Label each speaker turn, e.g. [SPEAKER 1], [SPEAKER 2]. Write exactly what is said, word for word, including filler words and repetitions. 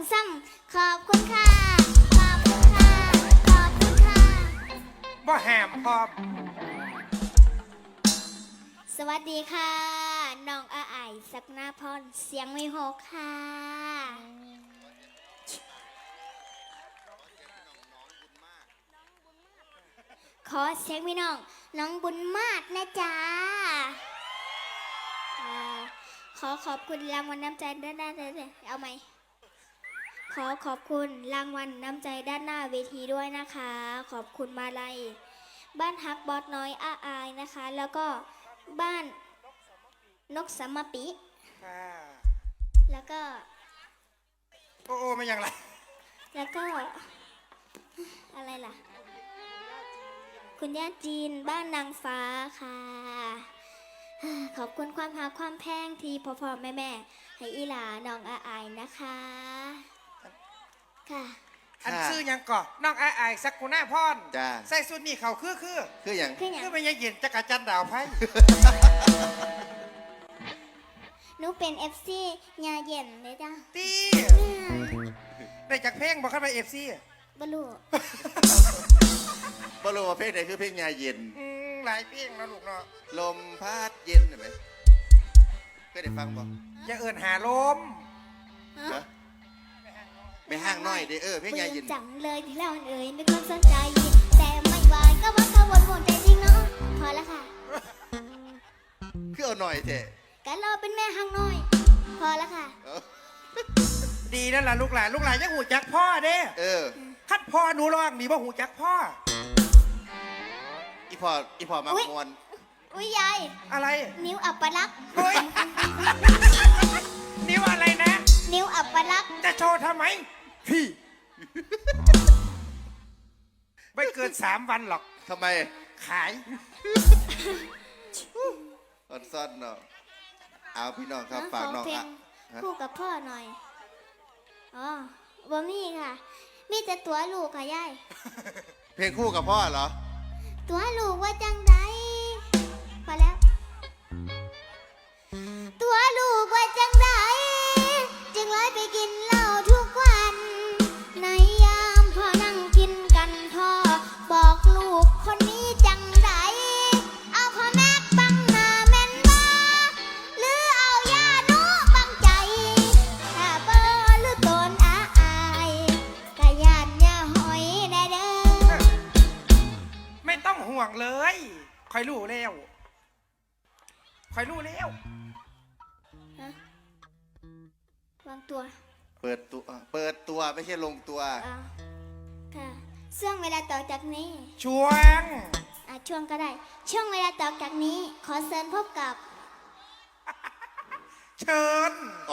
[SPEAKER 1] ซ้ำขอบคุณค่ะขอบคุณค่ะขอบคุณค่ะ
[SPEAKER 2] บ่แหมพร้อม
[SPEAKER 1] สวัสดีค่ะน้องอาไอศักนาพรเสียงไม่หกค่ะขอเสียงพี่น้องน้องบุญมาศนะจ๊ะขอขอบคุณรางวัลน้ำใจด้านหน้าเอาไหมขอขอบคุณรางวัลน้ำใจด้านหน้าเวทีด้วยนะคะขอบคุณมาลัยบ้านฮักบอสน้อยอาอายนะคะแล้วก็บ้านนกสมปิแล้วก็
[SPEAKER 2] โอ้โอ้ไม่ยังไร
[SPEAKER 1] แล้วก็อะไรล่ะคุณย่าจีนบ้านนางฟ้าค่ะขอบคุณความหาความแพงที่พ่อพ่อแม่แม่ให้อีหลาน้องอาอายนะคะค่ะ
[SPEAKER 2] อันซื้อยังก่อน้องไอ้ไอ้สักกุน่าพร
[SPEAKER 3] จ้า
[SPEAKER 2] ใส่สุดนี่เขาคือคือ
[SPEAKER 3] คืออย่าง
[SPEAKER 2] คือไม่ยังเย็นจักรจันดาวไพ่
[SPEAKER 1] หนูเป็นเอฟซียาเย็นเลยจ้า
[SPEAKER 2] ตีได้จากเพลงบอกขึ้นไปเอฟซี
[SPEAKER 1] บลู
[SPEAKER 3] บลูเพลงไหนคือเพลงยาเย็น
[SPEAKER 2] หลายเพลงนะลูกเนาะ
[SPEAKER 3] ลมพัดเย็นเห็นไหมเคยได้ฟังบ่
[SPEAKER 2] อย่าเอิญหาลม
[SPEAKER 3] ไม่ห้างน้อยเด้อเออเพลงยาเย็น
[SPEAKER 1] จังเลยที่เราเอ่ยไม่ควรสนใจแต่ไม่ไหวก็ว่ากังวลหมดใจจริงเนาะพอแล้วค่ะ
[SPEAKER 3] คือเอาหน่อยเถอะ
[SPEAKER 1] กันเราเป็นแม่ห้างน้อยพอแล้วค่ะ
[SPEAKER 2] ดีนั่นแหละลูกหลานลูกหลานยังหูจักพ่อเด้
[SPEAKER 3] เออ
[SPEAKER 2] คัดพ่อหนูร้องมีว่าหูจักพ่อ
[SPEAKER 3] อีพออีพอมามวน
[SPEAKER 1] อุ้ยยาย
[SPEAKER 2] อะไร
[SPEAKER 1] นิ้วอับปลักษณ์
[SPEAKER 2] นิ้วอะไรนะ
[SPEAKER 1] นิ้วอับปลักษณ์
[SPEAKER 2] จะโชว์ทำไมพี่ไม่เกินสามวันหรอก
[SPEAKER 3] ทำไม
[SPEAKER 2] ขาย
[SPEAKER 3] อดซ่อนเนาะเอาพี่น้องครับฝากน้องอ่ะ
[SPEAKER 1] คู่กับพ่อหน่อยอ๋อบ่มีค่ะมีแต่ตัวลูกค่ะยาย
[SPEAKER 3] เพลงคู่กับพ่อเหรอ
[SPEAKER 1] ตัวลูกว่าจังไดพอแล้วตัวลูกว่าจังไดจึงเลยไปกินเหล้าทุกวันในยามพ่อนั่งกินกันพ่อบอกลูกคนนี้จังไดเอาพ่อแม่บังหน้าแม่นบ่หรือเอาย่าหนูบังใจถ้าเบอหรือตนอาอายกะยานอย่าหอยได้เด้อ
[SPEAKER 2] ไม่ต้องห่วงเลยคอยรู้แล้วคอยรู้แล้ว
[SPEAKER 1] วางตัว
[SPEAKER 3] เปิดตัวเปิดตัวไม่ใช่ลงตัว
[SPEAKER 1] ค่ะช่วงเวลาต่อจากนี้
[SPEAKER 2] ช่วง
[SPEAKER 1] อ่ะช่วงก็ได้ช่วงเวลาต่อจากนี้ขอเชิญพบกับ
[SPEAKER 2] เชิญ